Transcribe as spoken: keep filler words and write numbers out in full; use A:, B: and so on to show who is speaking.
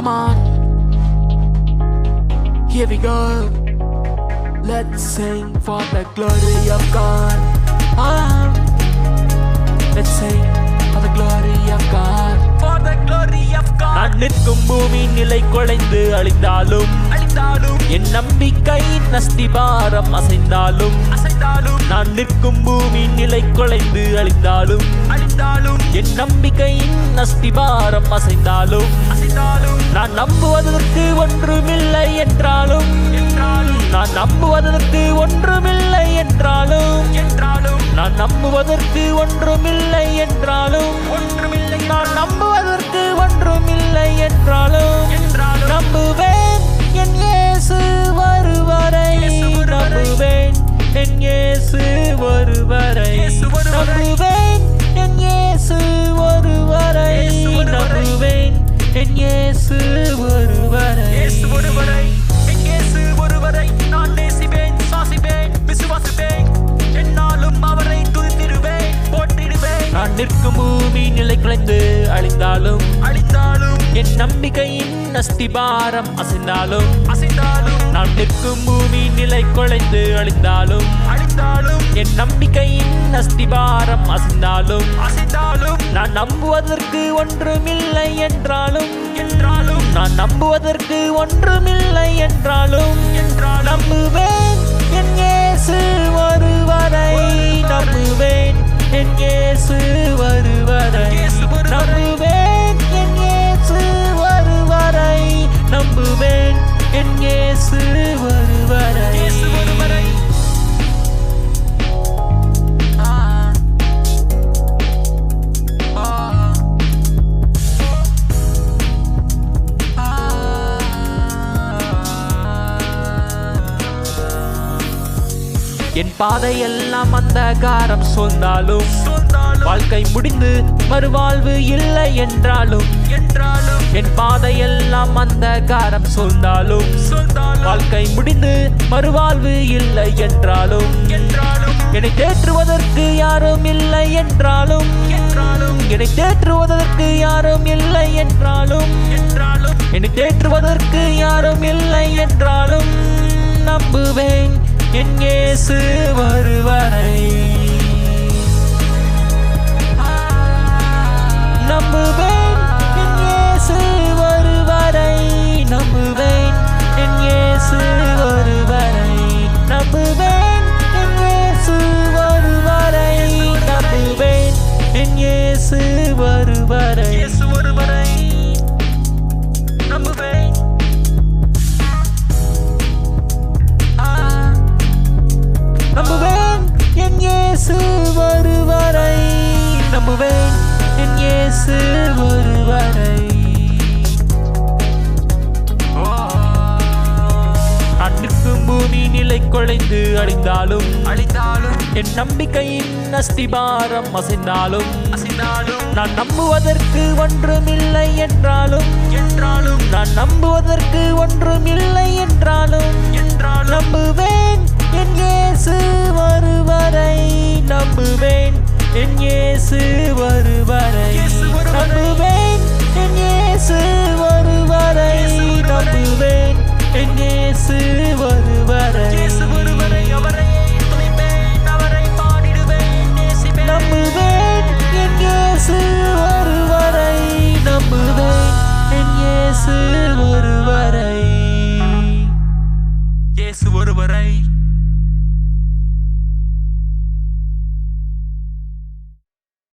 A: Come on, here we go. Let's sing for the glory of God. Ah, let's sing for the glory of God. For the glory of God.
B: நான் நிற்கும் பூமி நிலை குலைந்து அழிந்தாலும்
A: அழிந்தாலும்
B: என் நம்பிக்கை நஸ்திபாரம் அசைந்தாலும்
A: அசைந்தாலும்
B: நான் நிற்கும் பூமி நிலை குலைந்து அழிந்தாலும்
A: அழிந்தாலும்
B: என் நம்பிக்கையின் நஸ்திபாரம் அசைந்தாலும்
A: அசைந்தாலும்
B: நான் நம்புவதற்கு ஒன்றுமில்லை என்றாலும்
A: என்றாலும்
B: நான் நம்புவதற்கு ஒன்றுமில்லை என்றாலும்
A: என்றாலும்
B: நான் நம்புவதற்கு ஒன்றுமில்லை என்றாலும்
A: ஒன்றுமில்லை
B: நான் நம்புவதற்கு ஒன்றுமில்லை என்றாலும்
A: என்றாலும்
B: நம்புவேன் என் இயேசு வருவரை நம்புவேன் என் இயேசு வருவரை
A: இயேசு வருவரை.
B: நம்புவேன் என் இயேசு வருவரை
A: இயேசு வருவரை.
B: நம்புவேன் என் இயேசு வருவரை
A: இயேசு ஒருவரை என் இயேசு ஒருவரை நான் நேசிப்பேன் சுவாசிப்பேன் விசுவாசிப்பேன் என்னாலும் அவரை துதித்திடுவேன் போற்றிடுவேன்
B: நான் நிற்கும் பூமி நிலை குலைந்து அழிந்தாலும்
A: அழிந்தாலும்
B: என் நம்பிக்கையின் நஸ்திபாரம் அசைந்தாலும்
A: அசைந்தாலும்
B: நான் நிற்கும் பூமி நிலை குலைந்து அழிந்தாலும்
A: அழிந்தாலும்
B: என் நம்பிக்கையின் நஸ்திபாரம் அசைந்தாலும்
A: அசைந்தாலும்
B: நான் நம்புவதற்கு ஒன்றுமில்லை என்றாலும்
A: என்றாலும்
B: நான் நம்புவதற்கு ஒன்றுமில்லை என்றாலும்
A: என்றாலும்
B: நம்புவேன் என் இயேசு வருவரை நம்புவேன் என் இயேசு வருவரை
A: இயேசு வருவரை.
B: நம்புவேன் என் இயேசு வருவரை நம்புவேன் என் இயேசு வருவரை
A: இயேசு ஒருவரை. ஆ ஆ
B: என் பாதையெல்லாம் அந்தகாரம் சூழ்ந்தாலும்
A: சொந்தாலும்
B: வாழ்க்கை முடிந்து மறுவாழ்வு இல்லை என்றாலும்
A: என்றாலும்
B: என் பாதையெல்லாம் அந்தகாரம் சூழ்ந்தாலும்
A: சொந்தாலும்
B: வாழ்க்கை முடிந்து மறுவாழ்வு இல்லை என்றாலும்
A: என்றாலும்
B: என்னை தேற்றுவதற்கு யாரும் இல்லை என்றாலும்
A: என்றாலும்
B: என்னை தேற்றுவதற்கு யாரும் இல்லை என்றாலும்
A: என்றாலும்
B: என்னை தேற்றுவதற்கு யாரும் இல்லை என்றாலும் நம்புவேன் என் இயேசு வருவரை நம்புவேன் என் இயேசு வருவரை நம்புவேன் என் இயேசு வருவரை நம்புவேன் என் இயேசு வருவரை நம்புவேன் என் இயேசு வருவரை
A: இயேசு ஒருவரை நம்புவேன். ஆ
B: நம்புவேன் என் இயேசு வருவரை நம்புவேன் என் இயேசு வருவரை நான் நிற்கும் பூமி நிலை குலைந்து அழிந்தாலும்
A: அழிந்தாலும்
B: என் நம்பிக்கையின் அஸ்திபாரம் அசைந்தாலும்
A: அசைந்தாலும்
B: நான் நம்புவதற்கு ஒன்றுமில்லை என்றாலும்
A: என்றாலும்
B: நான் நம்புவதற்கு ஒன்றுமில்லை என்றாலும்
A: என்றாலும்
B: நம்புவேன் என் இயேசு வருவரை நம்புவேன் என் இயேசு வருவரை
A: இயேசு வருவரை.
B: நம்புவேன் என் இயேசு வருவரை நம்புவேன் என் இயேசு வருவரை
A: இயேசு ஒருவரை அவரை துதிப்பேன் அவரை பாடிடுவேன் நேசிப்பேன்
B: நம்புவேன் என் இயேசு வருவரை நம்புவேன் என் இயேசு வருவரை
A: இயேசு ஒருவரை